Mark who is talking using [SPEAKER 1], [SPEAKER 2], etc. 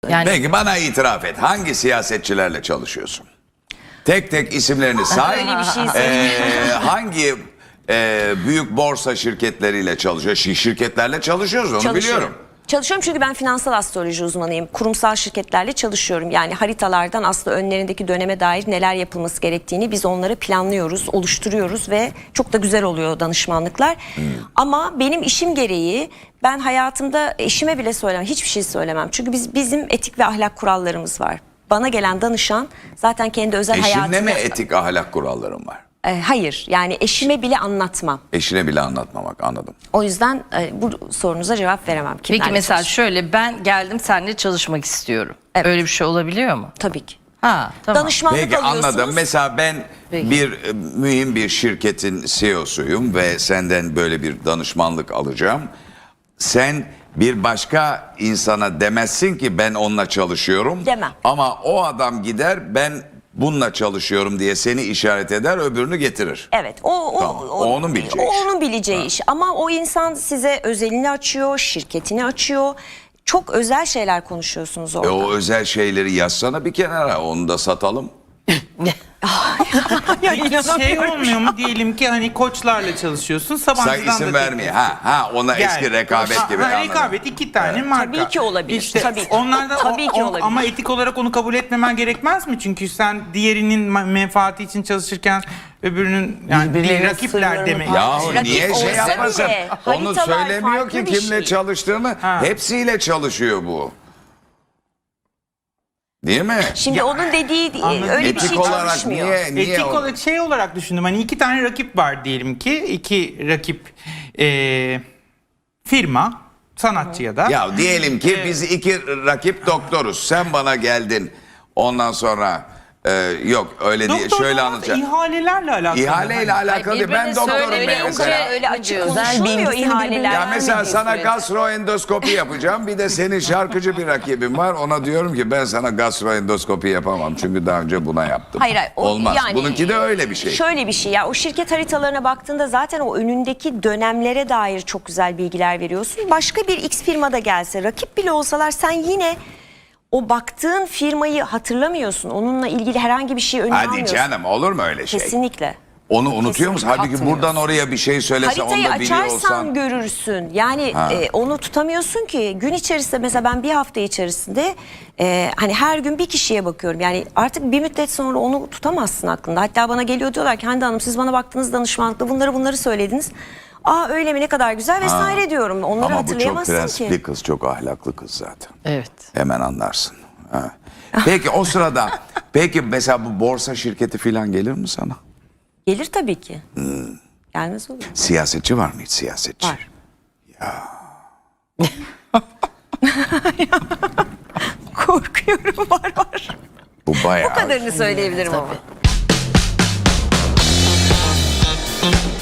[SPEAKER 1] Yani
[SPEAKER 2] Peki bana itiraf et. Hangi siyasetçilerle çalışıyorsun? Tek tek isimlerini say.
[SPEAKER 3] Öyle bir şey söyleyeyim.
[SPEAKER 2] Hangi büyük borsa şirketleriyle çalışıyor? Şirketlerle çalışıyoruz, onu biliyorum.
[SPEAKER 3] Çalışıyorum çünkü ben finansal astroloji uzmanıyım. Kurumsal şirketlerle çalışıyorum. Yani haritalardan aslında önlerindeki döneme dair neler yapılması gerektiğini biz onları planlıyoruz, oluşturuyoruz ve çok da güzel oluyor danışmanlıklar. Ama benim işim gereği ben hayatımda eşime bile söylemem, hiçbir şey söylemem. Çünkü bizim etik ve ahlak kurallarımız var. Bana gelen danışan zaten kendi özel hayatında...
[SPEAKER 2] Eşinle mi etik ahlak kuralların var?
[SPEAKER 3] Hayır, yani eşime bile anlatmam.
[SPEAKER 2] Eşine bile anlatmamak, anladım.
[SPEAKER 3] O yüzden bu sorunuza cevap veremem.
[SPEAKER 1] peki
[SPEAKER 3] Kimlerle
[SPEAKER 1] mesela
[SPEAKER 3] çalışıyorum?
[SPEAKER 1] şöyle, ben geldim seninle çalışmak istiyorum.
[SPEAKER 3] Evet.
[SPEAKER 1] Öyle bir şey olabiliyor mu?
[SPEAKER 3] Tabii ki.
[SPEAKER 1] Ha, tamam.
[SPEAKER 3] Danışmanlık
[SPEAKER 2] Peki
[SPEAKER 3] alıyorsunuz.
[SPEAKER 2] anladım. Mesela ben
[SPEAKER 1] Peki.
[SPEAKER 2] mühim bir şirketin CEO'suyum ve senden böyle bir danışmanlık alacağım. Sen bir başka insana demezsin ki ben onunla çalışıyorum.
[SPEAKER 3] Demem.
[SPEAKER 2] Ama o adam gider ben bununla çalışıyorum diye seni işaret eder, öbürünü getirir.
[SPEAKER 3] Evet,
[SPEAKER 2] Tamam, o onun bileceği iş.
[SPEAKER 3] onun bileceği iş. Ama o insan size özelini açıyor, şirketini açıyor. Çok özel şeyler konuşuyorsunuz orada.
[SPEAKER 2] O özel şeyleri yazsana bir kenara, onu da satalım.
[SPEAKER 4] Şey olmuyor mu, diyelim ki hani koçlarla çalışıyorsun,
[SPEAKER 2] Sen
[SPEAKER 4] Sabancı'dan
[SPEAKER 2] isim
[SPEAKER 4] da
[SPEAKER 2] vermeye. Ha ona
[SPEAKER 4] Gel.
[SPEAKER 2] eski rekabet gibi. anladım.
[SPEAKER 4] Rekabet, iki tane marka.
[SPEAKER 3] Tabii ki olabilir,
[SPEAKER 4] İşte
[SPEAKER 3] tabii ki.
[SPEAKER 4] onlardan
[SPEAKER 3] Tabii ki olabilir.
[SPEAKER 4] Ama etik olarak onu kabul etmemen gerekmez mi? Çünkü sen diğerinin menfaati için çalışırken öbürünün, yani bir
[SPEAKER 1] Birbirlerinin
[SPEAKER 4] rakipler
[SPEAKER 1] sırlarını
[SPEAKER 4] demek.
[SPEAKER 2] Yahu
[SPEAKER 3] Rakip
[SPEAKER 2] niye şey
[SPEAKER 3] olsa
[SPEAKER 2] yapmasın?
[SPEAKER 3] bile
[SPEAKER 2] Onu
[SPEAKER 3] haritalar
[SPEAKER 2] söylemiyor
[SPEAKER 3] farklı
[SPEAKER 2] ki
[SPEAKER 3] bir
[SPEAKER 2] kimle
[SPEAKER 3] şey.
[SPEAKER 2] çalıştığını.
[SPEAKER 4] Ha.
[SPEAKER 2] Hepsiyle çalışıyor bu. Değil mi?
[SPEAKER 3] Şimdi onun dediği
[SPEAKER 4] Anladım.
[SPEAKER 3] öyle bir
[SPEAKER 2] Etik
[SPEAKER 3] şey
[SPEAKER 2] olarak
[SPEAKER 3] çalışmıyor.
[SPEAKER 2] niye
[SPEAKER 4] Etik olarak şey olarak düşündüm. Hani iki tane rakip var diyelim ki. İki rakip firma, sanatçı ya da.
[SPEAKER 2] Ya diyelim ki biz iki rakip doktoruz. Sen bana geldin. Ondan sonra yok öyle değil.
[SPEAKER 4] Doktor
[SPEAKER 2] Şöyle
[SPEAKER 4] olmaz,
[SPEAKER 2] anlatacağım.
[SPEAKER 4] ihalelerle alakalı.
[SPEAKER 2] İhaleyle alakalı değil. Ben
[SPEAKER 1] birbirine
[SPEAKER 2] doktorum
[SPEAKER 1] söylemeyi
[SPEAKER 2] mesela.
[SPEAKER 3] Öyle açık
[SPEAKER 1] Özel
[SPEAKER 3] konuşulmuyor
[SPEAKER 1] bilgisini
[SPEAKER 3] ihaleler.
[SPEAKER 2] Ya mesela
[SPEAKER 1] vermediği
[SPEAKER 2] sana
[SPEAKER 1] sürece.
[SPEAKER 2] gastroendoskopi yapacağım. Bir de senin şarkıcı bir rakibin var. Ona diyorum ki ben sana gastroendoskopi yapamam. Çünkü daha önce buna yaptım.
[SPEAKER 3] Hayır, o
[SPEAKER 2] Olmaz.
[SPEAKER 3] yani,
[SPEAKER 2] Bununki de öyle bir şey.
[SPEAKER 3] Şöyle bir şey ya, o şirket haritalarına baktığında zaten o önündeki dönemlere dair çok güzel bilgiler veriyorsun. Başka bir X firmada gelse, rakip bile olsalar sen yine o baktığın firmayı hatırlamıyorsun. Onunla ilgili herhangi bir şey önüne
[SPEAKER 2] Hadi
[SPEAKER 3] almıyorsun.
[SPEAKER 2] canım, olur mu öyle şey?
[SPEAKER 3] Kesinlikle.
[SPEAKER 2] Onu unutuyor musun? Halbuki
[SPEAKER 1] Hatırlıyorsun.
[SPEAKER 2] buradan oraya bir şey söylese
[SPEAKER 3] Haritayı
[SPEAKER 2] onu da biliyor
[SPEAKER 3] açarsan
[SPEAKER 2] olsan.
[SPEAKER 3] görürsün. Yani onu tutamıyorsun ki. Gün içerisinde mesela ben bir hafta içerisinde hani her gün bir kişiye bakıyorum. Yani artık bir müddet sonra onu tutamazsın aklında. Hatta bana geliyor, diyorlar ki Hande Hanım siz bana baktınız danışmanlıkta bunları söylediniz. Aa öyle mi, ne kadar güzel vesaire diyorum. Onları
[SPEAKER 2] Ama bu çok
[SPEAKER 3] hatırlayamazsın
[SPEAKER 2] prensipli
[SPEAKER 3] ki.
[SPEAKER 2] kız, çok ahlaklı kız zaten.
[SPEAKER 1] Evet.
[SPEAKER 2] Hemen anlarsın. Ha. Peki o sırada, peki mesela bu borsa şirketi falan gelir mi sana?
[SPEAKER 3] Gelir tabii ki. Gelmez olur.
[SPEAKER 2] Siyasetçi var mı hiç, siyasetçi?
[SPEAKER 3] Var. Korkuyorum, var.
[SPEAKER 2] Bu bayağı.
[SPEAKER 3] Bu kadarını söyleyebilirim ama.